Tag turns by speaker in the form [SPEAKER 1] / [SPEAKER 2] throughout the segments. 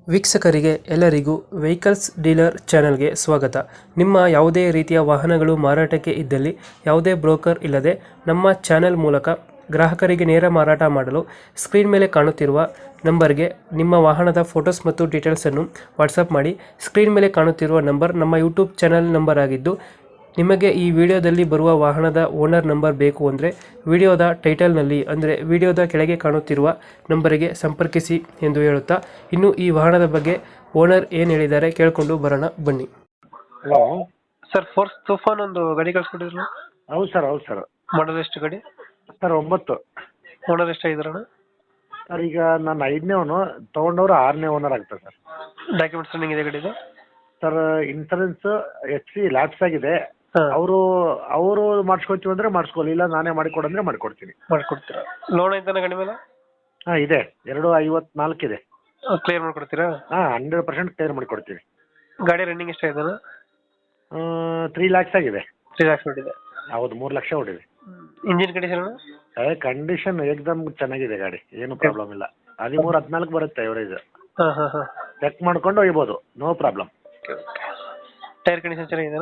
[SPEAKER 1] ವೀಕ್ಷಕರಿಗೆ ಎಲ್ಲರಿಗೂ vehicles dealer ಚಾನೆಲ್ಗೆ ಸ್ವಾಗತ. ನಿಮ್ಮ ಯಾವುದೇ ರೀತಿಯ ವಾಹನಗಳು ಮಾರಾಟಕ್ಕೆ ಇದ್ದಲ್ಲಿ ಯಾವುದೇ ಬ್ರೋಕರ್ ಇಲ್ಲದೆ ನಮ್ಮ ಚಾನೆಲ್ ಮೂಲಕ ಗ್ರಾಹಕರಿಗೆ ನೇರ ಮಾರಾಟ ಮಾಡಲು ಸ್ಕ್ರೀನ್ ಮೇಲೆ ಕಾಣುತ್ತಿರುವ ನಂಬರ್ಗೆ ನಿಮ್ಮ ವಾಹನದ ಫೋಟೋಸ್ ಮತ್ತು ಡೀಟೇಲ್ಸನ್ನು ವಾಟ್ಸಪ್ ಮಾಡಿ. ಸ್ಕ್ರೀನ್ ಮೇಲೆ ಕಾಣುತ್ತಿರುವ ನಂಬರ್ ನಮ್ಮ ಯೂಟ್ಯೂಬ್ ಚಾನೆಲ್ ನಂಬರ್ ಆಗಿದ್ದು, ನಿಮಗೆ ಈ ವಿಡಿಯೋದಲ್ಲಿ ಬರುವ ವಾಹನದ ಓನರ್ ನಂಬರ್ ಬೇಕು ಅಂದರೆ ವಿಡಿಯೋದ ಟೈಟಲ್ನಲ್ಲಿ ಅಂದರೆ ವಿಡಿಯೋದ ಕೆಳಗೆ ಕಾಣುತ್ತಿರುವ ನಂಬರಿಗೆ ಸಂಪರ್ಕಿಸಿ ಎಂದು ಹೇಳುತ್ತಾ, ಇನ್ನು ಈ ವಾಹನದ ಬಗ್ಗೆ ಓನರ್ ಏನು ಹೇಳಿದ್ದಾರೆ ಕೇಳಿಕೊಂಡು ಬರೋಣ ಬನ್ನಿ.
[SPEAKER 2] ಹಲೋ
[SPEAKER 1] ಸರ್, ಫೋರ್ಸ್ ತೂಫಾನ್ ಒಂದು ಗಾಡಿ ಕಳಿಸ್ಕೊಟ್ಟಿದ್ರು.
[SPEAKER 2] ಹೌದು ಸರ್
[SPEAKER 1] ಮಾಡಲ್ ಎಷ್ಟು ಗಾಡಿ?
[SPEAKER 2] ಸರ್ 9.
[SPEAKER 1] ಓನರ್ ಎಷ್ಟಾಗಿದ್ರಣ?
[SPEAKER 2] ಸರ್ ಈಗ ನಾನು 5ನೇ ಓನು, ತೊಗೊಂಡವ್ರು 6ನೇ ಓನರ್ ಆಗ್ತದೆ ಸರ್.
[SPEAKER 1] ಡಾಕ್ಯುಮೆಂಟ್ಸ್ ರನ್ನಿಂಗ್ ಇದೆ ಗಾಡಿದು?
[SPEAKER 2] ಸರ್ ಇನ್ಸೂರೆನ್ಸ್ FC ಲ್ಯಾಪ್ಸ್ ಆಗಿದೆ.
[SPEAKER 1] ಹಾಂ,
[SPEAKER 2] ಅವರು ಮಾಡಿಸ್ಕೊತೀವಿ ಅಂದರೆ ಮಾಡಿಸ್ಕೊಳ್ಳಿ, ಇಲ್ಲ ನಾನೇ ಮಾಡಿಕೊಡಂದ್ರೆ ಮಾಡಿಕೊಡ್ತೀನಿ.
[SPEAKER 1] ಮಾಡಿಕೊಡ್ತೀರಾ? ಲೋನ್ ಐತಾನ ಗಾಡಿ ಮೇಲೆ?
[SPEAKER 2] ಹಾಂ ಇದೆ, 254 ಇದೆ.
[SPEAKER 1] ಕ್ಲಿಯರ್ ಮಾಡ್ಕೊಡ್ತೀರಾ?
[SPEAKER 2] ಹಾಂ 100% ಕ್ಲಿಯರ್ ಮಾಡಿಕೊಡ್ತೀನಿ.
[SPEAKER 1] ಗಾಡಿ ರನ್ನಿಂಗ್ ಎಷ್ಟಾಗಿದ್ದಾನ?
[SPEAKER 2] 3 lakhs ಆಗಿದೆ.
[SPEAKER 1] 3 lakhs ಹೊಡಿದೆ.
[SPEAKER 2] ಹೌದು, 3 ಲಕ್ಷ ಹೊಡಿದೆ.
[SPEAKER 1] Engine condition?
[SPEAKER 2] ಕಂಡೀಷನ್ ಏಕ್ದಮ್ ಚೆನ್ನಾಗಿದೆ ಗಾಡಿ, ಏನು ಪ್ರಾಬ್ಲಮ್ ಇಲ್ಲ. 13-14 ಬರುತ್ತೆ ಎವರೇಜ್.
[SPEAKER 1] ಹಾಂ ಹಾಂ ಹಾಂ.
[SPEAKER 2] ಚೆಕ್ ಮಾಡ್ಕೊಂಡು ಒಯ್ಬೋದು, ನೋ ಪ್ರಾಬ್ಲಮ್.
[SPEAKER 1] ಟೈರ್ ಕಂಡೀಷನ್ ಚೆನ್ನಾಗಿದೆಯಾ?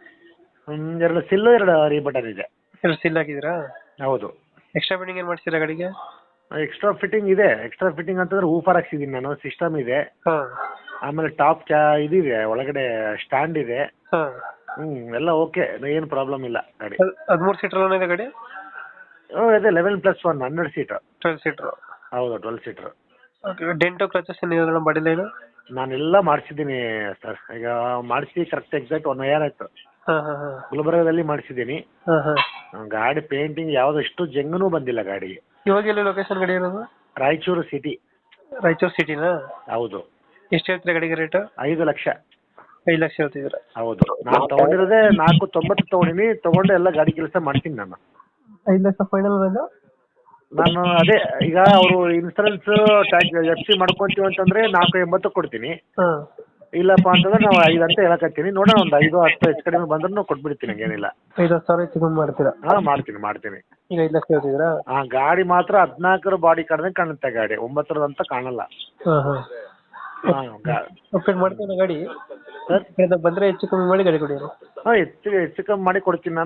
[SPEAKER 2] 2 ಸಿಲ್ಲು 2 ರೀಬಟನ್ ಇದೆ.
[SPEAKER 1] ಎರಡು ಸೀಲ್ ಹಾಕಿದ್ದೀರಾ?
[SPEAKER 2] ಹೌದು.
[SPEAKER 1] ಎಕ್ಸ್ಟ್ರಾ ಬಿಲ್ಡಿಂಗ್ ಏನು ಮಾಡ್ತೀರಾ ಗಾಡಿಗೆ?
[SPEAKER 2] ಎಕ್ಸ್ಟ್ರಾ ಫಿಟ್ಟಿಂಗ್ ಇದೆ. ಎಕ್ಸ್ಟ್ರಾ ಫಿಟ್ಟಿಂಗ್ ಅಂತಂದ್ರೆ ಊಫರ್ ಹಾಕ್ಸಿದ್ದೀನಿ ನಾನು, ಸಿಸ್ಟಮ್ ಇದೆ.
[SPEAKER 1] ಹಾಂ
[SPEAKER 2] ಆಮೇಲೆ ಟಾಪ್ ಇದಿದೆ, ಒಳಗಡೆ ಸ್ಟ್ಯಾಂಡ್ ಇದೆ.
[SPEAKER 1] ಹಾಂ.
[SPEAKER 2] ಎಲ್ಲ ಓಕೆ, ಏನು ಪ್ರಾಬ್ಲಮ್ ಇಲ್ಲ ಗಾಡಿ.
[SPEAKER 1] 13 ಸೀಟರ್ ಲೋನ್ ಇದೆ ಗಾಡಿ?
[SPEAKER 2] ಇದೆ 11+1 12 ಸೀಟರ್.
[SPEAKER 1] 12 ಸೀಟರ್.
[SPEAKER 2] ಹೌದು 12 ಸೀಟರ್.
[SPEAKER 1] ಓಕೆ. ಡೆಂಟೋ ಕ್ಲಚಸ್ ಏನಿದೆ ಬಾಡಿ ಲೈನು?
[SPEAKER 2] ನಾನೆಲ್ಲ ಮಾಡಿಸಿದ್ದೀನಿ ಸರ್, ಈಗ ಮಾಡಿಸಿ ಕರೆಕ್ಟ್ ಎಕ್ಸಾಕ್ಟ್ 1 year ಆಯ್ತು.
[SPEAKER 1] ಹಾಂ ಹಾಂ ಹಾಂ.
[SPEAKER 2] ಗುಲ್ಬರ್ಗದಲ್ಲಿ ಮಾಡಿಸಿದ್ದೀನಿ.
[SPEAKER 1] ಹಾಂ ಹಾಂ.
[SPEAKER 2] ಗಾಡಿ ಪೇಂಟಿಂಗ್ ಯಾವುದಷ್ಟು ಜಂಗನೂ ಬಂದಿಲ್ಲ ಗಾಡಿಗೆ.
[SPEAKER 1] ಇವಾಗ ಎಲ್ಲಿ ಲೊಕೇಶನ್ ಗಾಡಿ ಇರೋದು?
[SPEAKER 2] ರಾಯಚೂರು ಸಿಟಿ.
[SPEAKER 1] ರಾಯಚೂರು ಸಿಟಿನಾ?
[SPEAKER 2] ಹೌದು.
[SPEAKER 1] ಎಷ್ಟು ಹೇಳ್ತೀರಾ ಗಾಡಿಗೆ ರೇಟು?
[SPEAKER 2] 5 ಲಕ್ಷ.
[SPEAKER 1] 5 ಲಕ್ಷ ಹೇಳ್ತಿದ್ದೀರಾ?
[SPEAKER 2] ಹೌದು. ನಾನು ತೊಗೊಂಡಿರೋದೇ 490 ತೊಗೊಂಡಿನಿ. ತೊಗೊಂಡು ಎಲ್ಲ ಗಾಡಿ ಕೆಲಸ ಮಾಡ್ತೀನಿ ನಾನು.
[SPEAKER 1] 5 ಲಕ್ಷ ಫೈನಲ್ ಬಂದು?
[SPEAKER 2] ನಾನು ಅದೇ, ಈಗ ಅವರು ಇನ್ಸೂರೆನ್ಸ್ FC ಮಾಡ್ಕೊಂತೀವಿ ಅಂತಂದ್ರೆ 480 ಕೊಡ್ತೀನಿ.
[SPEAKER 1] ಹಾಂ.
[SPEAKER 2] ಇಲ್ಲಪ್ಪ ಅಂತಂದ್ರೆ ನಾವು 5 ಅಂತ ಹೇಳಕತ್ತೀನಿ. ನೋಡೋಣ, ಒಂದು 5-10 ಹೆಚ್ಚು ಕಡಿಮೆ ಬಂದ್ರೂ ಕೊಟ್ಬಿಡ್ತೀನಿ, ಹಂಗೇನಿಲ್ಲ.
[SPEAKER 1] 5-10 ಸಾವಿರ ಹೆಚ್ಚು ಕಮ್ಮಿ ಮಾಡ್ತೀರಾ?
[SPEAKER 2] ಹಾಂ ಮಾಡ್ತೀನಿ.
[SPEAKER 1] ಈಗ 5 ಲಕ್ಷ ಹೇಳ್ತಿದ್ದೀರಾ?
[SPEAKER 2] ಹಾಂ, ಗಾಡಿ ಮಾತ್ರ 14 ಬಾಡಿ ಕಡ್ದಂಗೆ ಕಾಣುತ್ತೆ ಗಾಡಿ, 9 ಅಂತ ಕಾಣಲ್ಲ.
[SPEAKER 1] ಹಾಂ ಹಾಂ.
[SPEAKER 2] ಹಾಂ
[SPEAKER 1] ಅಪ್ಡೇಟ್ ಮಾಡ್ತೀನಿ ಗಾಡಿ
[SPEAKER 2] ಸರ್.
[SPEAKER 1] ಬಂದರೆ ಹೆಚ್ಚು ಕಮ್ಮಿ ಮಾಡಿ ಗಾಡಿ ಕೊಡಿ.
[SPEAKER 2] ಹಾಂ ಹೆಚ್ಚು ಕಮ್ಮಿ ಮಾಡಿ ಕೊಡ್ತೀನಿ ನಾನು.